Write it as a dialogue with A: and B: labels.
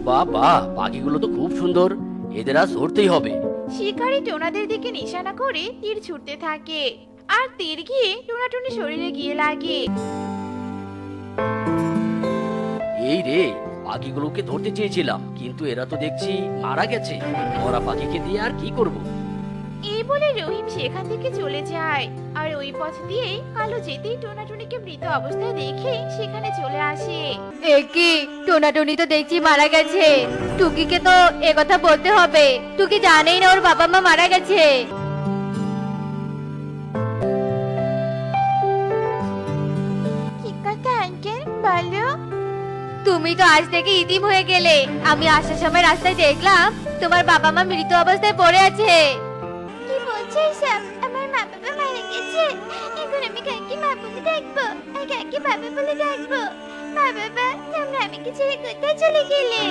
A: বাবা, পাখিগুলো তো খুব সুন্দর, এদের আজ ধরতেই হবে।
B: শিকারী টোনাদের দিকে নিশানা করে তীর ছুটতে থাকে, আর তীর গিয়ে টোনাটুনি শরীরে গিয়ে লাগে।
A: এই রে, পাখিগুলোকে ধরতে চেয়েছিলাম, কিন্তু এরা তো দেখছি মারা গেছে। মরা পাখিকে দিয়ে আর কি করব?
B: এই বলে রহিম সেখান থেকে চলে যায়, আর ওই পথ দিয়ে কালো যেতেই টোনাটুনিকে মৃত অবস্থায় দেখে সেখানে চলে আসে।
C: একি টোনাটুনি তো দেখছি মারা গেছে। টুকিকে তো কথা বলতে হবে। টুকি জানেই না ওর বাবা মা মারা গেছে।
B: কি কথা আঙ্কেল, বলো।
C: তুমি তো আজ থেকে ইতিম হয়ে গেলে। আমি আসার সময় রাস্তায় দেখলাম তোমার বাবা মা মৃত অবস্থায় পড়ে আছে।
B: কি বলছো এসব? আমার মা বাবা মারা গেছে, এখন আমি কাকে মা বলে ডাকবো আর কাকে বাবা বলে ডাকবো? মা বাবা, তোমরা আমাকে ছেড়ে কোথায় চলে গেলে?